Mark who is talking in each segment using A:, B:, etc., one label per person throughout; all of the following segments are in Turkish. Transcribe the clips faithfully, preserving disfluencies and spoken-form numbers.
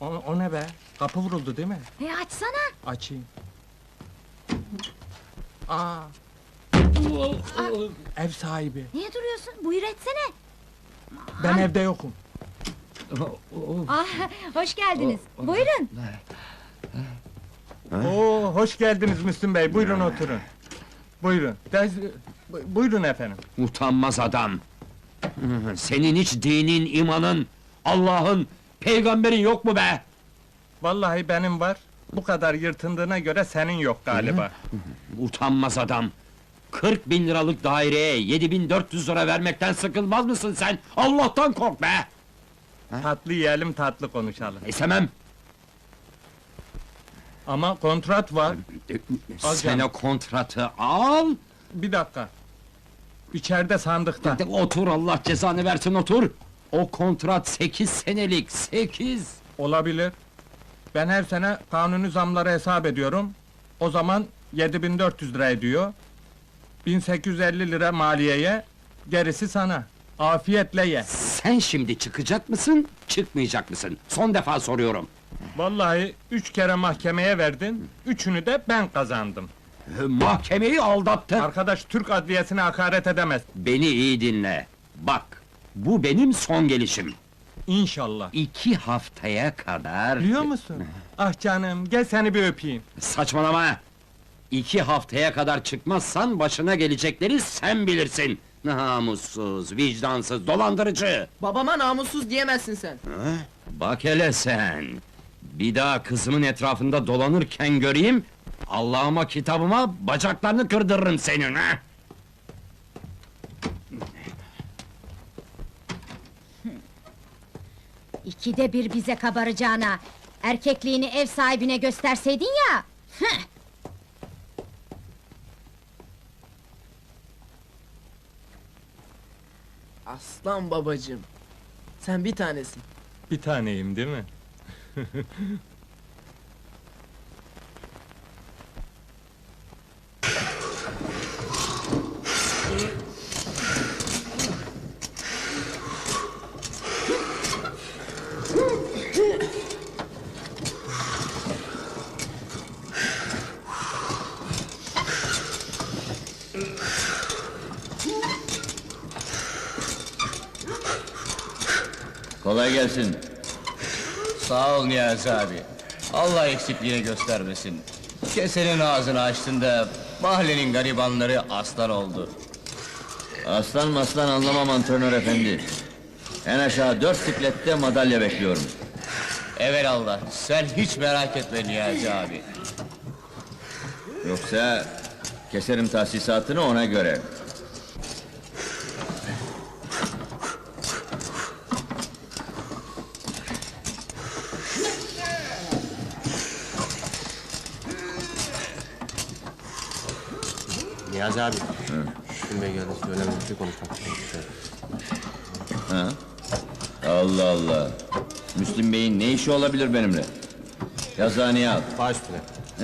A: O, o ne be? Kapı vuruldu değil mi?
B: E açsana!
A: Açayım. Aa! Ev sahibi.
B: Niye duruyorsun? Buyur etsene!
A: Ben evde yokum.
B: Ah, hoş geldiniz. Buyurun!
A: Oo, hoş geldiniz Müslüm Bey. Buyurun oturun. Buyurun. Dez, bu- buyurun efendim.
C: Utanmaz adam! Senin hiç dinin, imanın, Allah'ın, peygamberin yok mu be?
A: Vallahi benim var. Bu kadar yırtındığına göre senin yok galiba.
C: Utanmaz adam! Kırk bin liralık daireye yedi bin dört yüz lira vermekten sıkılmaz mısın sen? Allah'tan kork be!
A: Tatlı yiyelim, tatlı konuşalım.
C: İstemem!
A: Ama kontrat var. Al
C: Sen
A: canım.
C: o kontratı al!
A: Bir dakika. İçeride sandıkta.
C: De otur, Allah cezanı versin, otur! O kontrat sekiz senelik, sekiz!
A: Olabilir. Ben her sene kanuni zamları hesap ediyorum. O zaman yedi bin dört yüz lira ediyor. bin sekiz yüz elli lira maliyeye, gerisi sana. Afiyetle ye.
C: Sen şimdi çıkacak mısın, çıkmayacak mısın? Son defa soruyorum!
A: Vallahi üç kere mahkemeye verdin, üçünü de ben kazandım.
C: Mahkemeyi aldattın!
A: Arkadaş Türk adliyesine hakaret edemez.
C: Beni iyi dinle! Bak, bu benim son gelişim!
A: İnşallah.
C: İki haftaya kadar...
A: Biliyor musun? Ah canım, gel seni bir öpeyim.
C: Saçmalama! İki haftaya kadar çıkmazsan başına gelecekleri sen bilirsin! Namussuz, vicdansız, dolandırıcı!
D: Babama namussuz diyemezsin sen.
C: Ha? Bak hele sen! Bir daha kızımın etrafında dolanırken göreyim... Allah'ıma kitabıma bacaklarını kırdırırım senin ha!
B: İkide bir bize kabaracağına, erkekliğini ev sahibine gösterseydin ya! Hıh!
D: Aslan babacığım. Sen bir tanesin.
A: Bir taneyim değil mi?
E: Kolay gelsin. Sağ ol Niyazi abi. Allah eksikliğini göstermesin. Kesenin ağzını açtığında mahallenin garibanları aslan oldu. Aslan maslan anlamam antrenör efendi. En aşağı dört siklette madalya bekliyorum. Evelallah, sen hiç merak etme Niyazi abi. Yoksa keserim tahsisatını ona göre.
F: Niyazi abi. Müslüm Bey geldi, önemli bir şey konuşmak istiyorum.
E: Ha? Allah Allah! Müslüm Bey'in ne işi olabilir benimle? Yazıhaneye al.
F: Baş üstüne.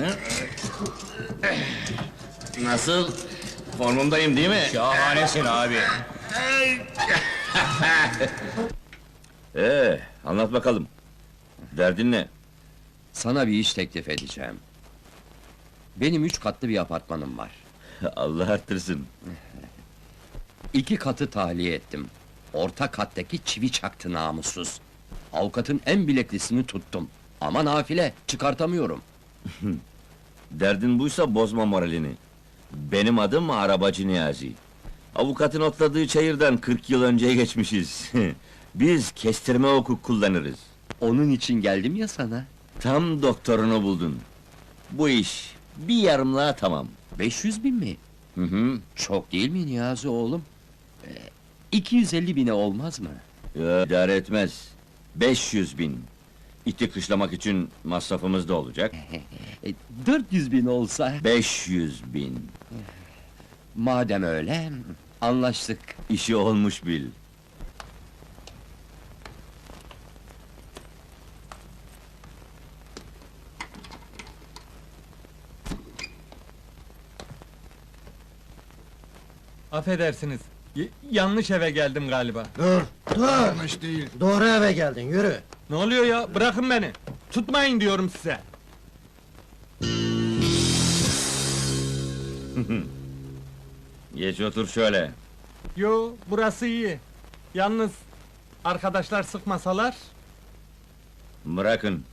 E: Nasıl? Formundayım değil mi? Şahanesin abi! Ee, anlat bakalım. Derdin ne?
C: Sana bir iş teklif edeceğim. Benim üç katlı bir apartmanım var.
E: Allah arttırsın.
C: İki katı tahliye ettim. Orta kattaki çivi çaktı namussuz. Avukatın en bileklisini tuttum. Ama nafile, çıkartamıyorum.
E: Derdin buysa bozma moralini. Benim adım Arabacı Niyazi. Avukatın otladığı çayırdan kırk yıl önceye geçmişiz. Biz kestirme hukuk kullanırız.
C: Onun için geldim ya sana.
E: Tam doktorunu buldun. Bu iş bir yarımlığa tamam.
C: beş yüz bin mi?
E: Hı hı.
C: Çok değil mi Niyazi oğlum? Ee, iki yüz elli bine olmaz mı?
E: Ya, idare etmez. beş yüz bin. İti kışlamak için masrafımız da olacak.
C: E, dört yüz bin olsa...
E: beş yüz bin.
C: Madem öyle, anlaştık.
E: İşi olmuş bil.
A: Affedersiniz, y- yanlış eve geldim galiba.
G: Dur, dur! Yanlış değil. Doğru eve geldin, yürü!
A: Ne oluyor ya? Bırakın beni! Tutmayın diyorum size!
E: Geç otur şöyle.
A: Yo, burası iyi. Yalnız, arkadaşlar sıkmasalar...
E: Bırakın.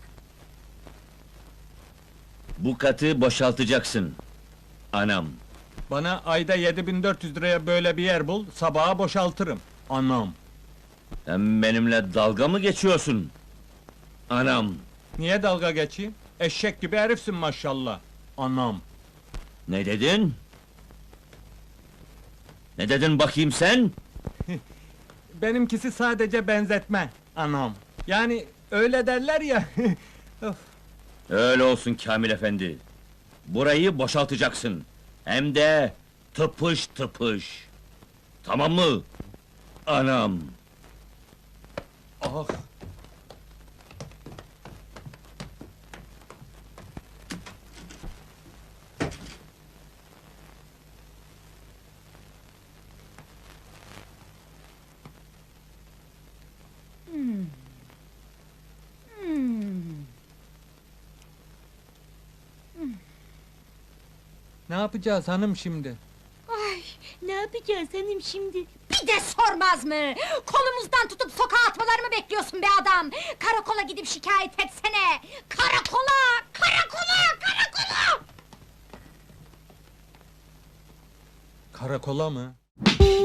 E: Bu katı boşaltacaksın. Anam.
A: Bana ayda yedi bin dört yüz liraya böyle bir yer bul, sabaha boşaltırım. Anam!
E: Sen benimle dalga mı geçiyorsun? Anam.
A: Niye dalga geçeyim? Eşek gibi herifsin maşallah. Anam!
E: Ne dedin? Ne dedin bakayım sen?
A: Benimkisi sadece benzetme, anam. Yani öyle derler ya. Of.
E: Öyle olsun Kamil efendi. Burayı boşaltacaksın. Hem de tıpış tıpış. Tamam mı? Anam.
A: Ah! Ne yapacağız hanım şimdi?
B: Ay, ne yapacağız hanım şimdi? Bir de sormaz mı? Kolumuzdan tutup sokağa atmalarımı bekliyorsun be adam! Karakola gidip şikayet etsene! Karakola! Karakola! Karakola!
A: Karakola mı?